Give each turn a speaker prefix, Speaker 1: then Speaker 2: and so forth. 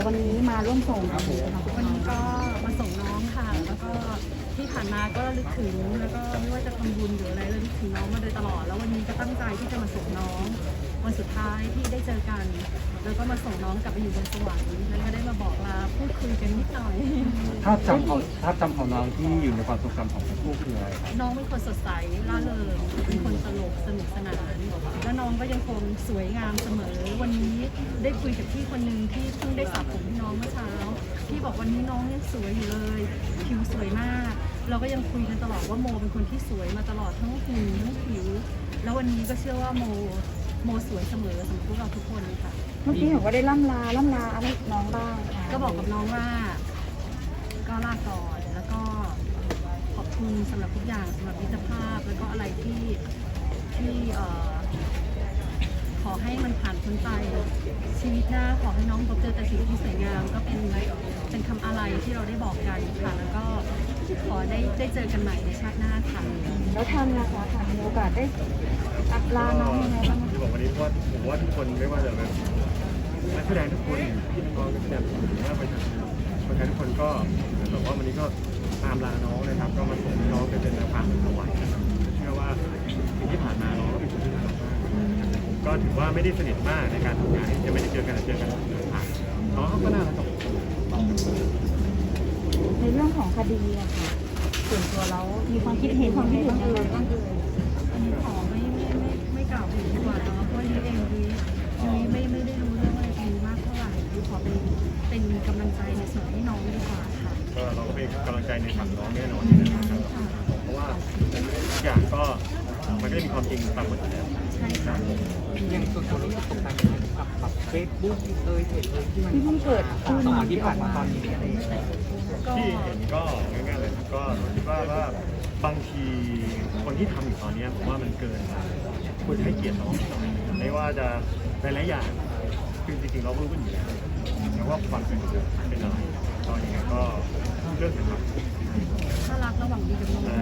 Speaker 1: วันนี้มาร่วมส่งครับผม
Speaker 2: วันนี้ก็มาส่งน้องค่ะ แล้วก็ที่ผ่านมาก็ระลึกถึงแล้วก็ไม่ว่าจะทำบุญหรืออะไรระลึกถึงน้องมาโดยตลอดแล้ววันนี้ก็ตั้งใจที่จะมาส่งน้องวันสุดท้ายที่ได้เจอกัน แล้วก็มาส่งน้องกลับไปอยู่บนสวรรค์แล้วก็ได้มาบอกลาพูดคุยกันนิดหน่อย
Speaker 3: ภาพจำของน้องที่อยู่ในความทรงจำของทั้งคู่คืออะไรครับ
Speaker 2: น้องเป็นคนสดใสร่าเริงเป็นคนตลกสนุกสนาน แล้วน้องก็ยังคงสวยงามเสมอ วันนี้ได้คุยกับพี่คนหนึ่งที่เพิ่งได้สระผมให้น้องเมื่อเช้าพี่บอกวันนี้น้องยังสวยอยู่เลยผิวสวยมาก เราก็ยังคุยกันตลอดว่าโมเป็นคนที่สวยมาตลอดทั้งหุ่นทั้งผิว แล้ววันนี้ก็เชื่อว่าโมสวยเสมอสำหรับพวกเราทุกคนค่ะ
Speaker 1: เมื่อกี้เห็นว่าได้ล่ำลาอะไรน้องบ้างค่ะ
Speaker 2: ก็บอกกับน้องว่าก็ลาก่อนแล้วก็ขอบคุณสำหรับทุกอย่างสำหรับมิตรภาพแล้วก็อะไรที่ขอให้มันผ่านพ้นไปชีวิตหน้าขอให้น้องพบเจอแต่สิ่งที่สวยงามก็เป็นคำอะไรที่เราได้บอกกันค่ะแล้วก็ขอได้เจอกันใหม่ในชาติหน้าค่ะ
Speaker 1: แล้วทำนะคะค่ะมีโอกาสได้ลาน้องยังไงบ้าง
Speaker 4: ที่บอกวันนี้เพราะผมว่าทุกคนไม่ว่าจะเป็นนักแสดงทุกคนพี่น้องนักแสดงหรือว่าประชาชนทุกคนก็แบบว่าวันนี้ก็ตามลาน้องนะครับก็มาส่งน้องไปเป็นนางฟ้าสวรรค์นะครับเชื่อว่าสิ่งที่ผ่านมาน้องก็เป็นคนที่น่ารักมากผมก็ถือว่าไม่ได้สนิทมากในการทำงานจะไม่ได้เจอกันแต่เจอกันผ่านน้องเขาก็น่ารักกับผม
Speaker 1: ในเรื่องของคดีอะค่ะส่วนตัวเรามีความคิดเห็นยังไงบ้างเอ่ย
Speaker 2: อันนี้ขอไม่กล่าวถึงดีกว่าเนาะเพราะยุ้ยเองยุ้ยไม่ได้รู้เรื่องอะไรตรงนี้มากเท่าไหร่ยุ้ยขอเป็นกำลังใจในส่วนที่น้องดีกว่าค่ะ
Speaker 4: ก็เราก็เป็นกำลังใจในฝั่งน้องแน่นอนนะครับเพราะว่าทุกอย่างก็มันก็จะมีความจริงปรากฏอยู่แล้ว
Speaker 2: ใช่ค่ะ
Speaker 3: ยังส่วนตัวรู้สึกตกใจกับเฟซบุ๊กเพจที่มัน
Speaker 1: ที่เพิ่งเกิดขึ้น
Speaker 3: 2 วันที่ผ่านมาตอนนี้อะไรอย่างเงี้ย
Speaker 4: ที่เห็นก็ง่ายๆเลยครับก็คิดว่าบางทีคนที่ทำอยู่ตอนนี้ผมว่ามันเกินควรให้เกียรติน้องหน่อยไม่ว่าจะหลายๆอย่างคือจริงๆเรารู้กันอยู่แล้วแต่ว่าความเป็นอะไรก็ยังไงก็เรื่องสำคัญ
Speaker 2: ถ้ารักระหว่างดีกับน้อง